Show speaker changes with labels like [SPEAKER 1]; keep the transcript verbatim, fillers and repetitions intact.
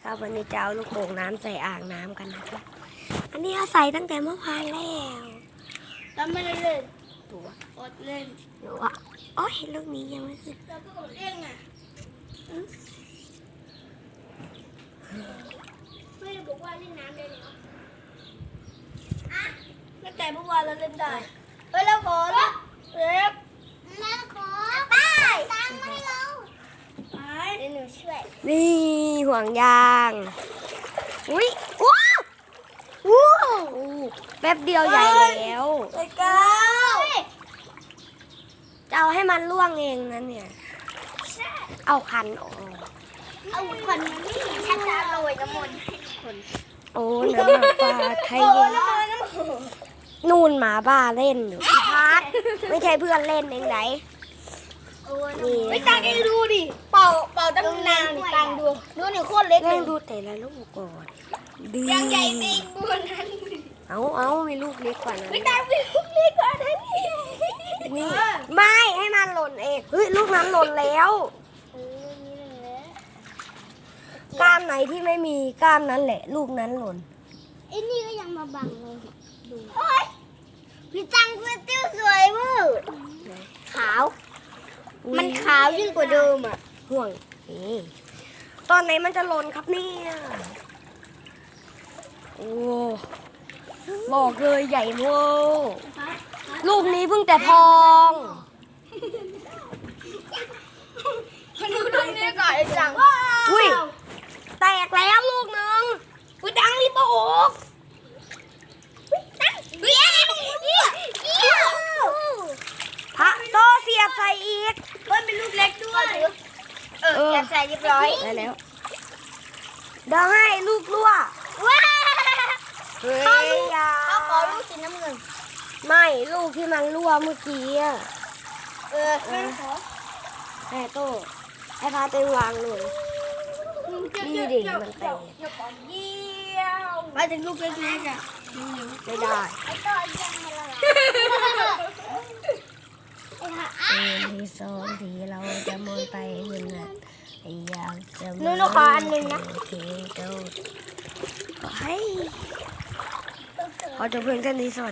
[SPEAKER 1] ครับวันนี้จะเอาลูกโป่งน้ำใส่อ่างน้ำกันนะครับอันนี้เราใส่ตั้งแต่เมื่อวานแล้ว
[SPEAKER 2] แล้วไม่ได้เล่น
[SPEAKER 1] ตัว
[SPEAKER 2] อดเล่น
[SPEAKER 1] หนูว่าโอ้ยลูกนี้ยังไม่ขึ้น
[SPEAKER 2] แล้วก็อดเล่นอ่ะไม่ได้บอกว่าเล่นน้ำได้แล้วอ่ะตั้งแต่เมื่อวานเราเล่นได้เฮ้ยแล้วขอแล้วเล็บแล้วขอไปตังไม่เราไปเดี๋ยวหนูช่วย
[SPEAKER 1] นี่ห่วงยางอุ้ยว้าวว้าวแป๊บเดียวใหญ่แล้ว
[SPEAKER 2] ไอ้ก้าว
[SPEAKER 1] จะเอาให้มันล่วงเองนะเนี่ยเอาคันออก
[SPEAKER 2] เอาคนนี้ฉันจะโรยน้ำมันคน
[SPEAKER 1] โอ้น้ำหมาป่าไทย
[SPEAKER 2] โอ้
[SPEAKER 1] เย็น
[SPEAKER 2] น้ำมันน้ำมัน
[SPEAKER 1] นู่นหมาบ้าเล่นอยู่พี่พัดไม่ใช่เพื่อนเล่นเองไหน นี่
[SPEAKER 2] ไม่ตังเองดูดิเป่าเป่าตั้งนานนี่ตังดูดูนี่โคตรเล็กเล
[SPEAKER 1] เล่
[SPEAKER 2] ย
[SPEAKER 1] นดูแต่ละลูกก่อนดี
[SPEAKER 2] ยังใหญ่เองบนนั้น
[SPEAKER 1] เอาเอามีลูกเล็กกว่านั้น
[SPEAKER 2] ไม่ตังเป็นลูกเล็กกว่านั้นนี่
[SPEAKER 1] นี่ไม่ให้มันหล่นเองเฮ้ยลูกนั้นหล่นแล้ว
[SPEAKER 2] เออนี่แหละ
[SPEAKER 1] กล้ามไหนที่ไม่มีกล้ามนั้นแหละ ลูกนั้นหล่น
[SPEAKER 2] ไอ้นี่ก็ยังมาบังเลยดูเฮ้ยพี่ตังเสื้อติ้วสวยมากขาว
[SPEAKER 1] อุ๊ย
[SPEAKER 2] มันขาวยิ่งกว่าเดิมอ่ะ
[SPEAKER 1] ห่วงนี่ตอนไหนมันจะหล่นครับเนี่ยโอ้บอกเลยใหญ่เวอร์ลูกนี้เพิ่งแต่พอง
[SPEAKER 2] ดูตรงนี้ก่อนไอ้จัง
[SPEAKER 1] อุ้ยแตกแล้วลูกหนึ่ง
[SPEAKER 2] พี่ตังรีบโอกเบี้ยวเบี้ยวเบี้ยว
[SPEAKER 1] พระโตเสียบใส่อีก
[SPEAKER 2] เฮ้ยเป็นลูกเล็กด้วยเออแกใส่เรียบร้อย
[SPEAKER 1] ได้แล้วเดี๋ยวให้ลูกรั่ว
[SPEAKER 2] ว้า
[SPEAKER 1] เฮ้ยอย่า
[SPEAKER 2] เขาขอลูกสีน้ำเงิน
[SPEAKER 1] ไม่ลูกที่มันรั่วเมื่อกี้อะ
[SPEAKER 2] เออไม่ขอ
[SPEAKER 1] แม่โตให้พาไปวางเลยนี่ดิมันแตก
[SPEAKER 2] เยี่ยวมาถึงลูกเล็กๆอ่ะ
[SPEAKER 1] ไม่ได้
[SPEAKER 2] ไอ้ต่อยังไงล่ะ
[SPEAKER 1] เอ็นที่สองที่เราจะมองไปเห็นน่ะอยากจะ
[SPEAKER 2] นู่นขออันหนึ่งนะ
[SPEAKER 1] เฮ้ยขอจะเพื่อนกันนี้สวัสดี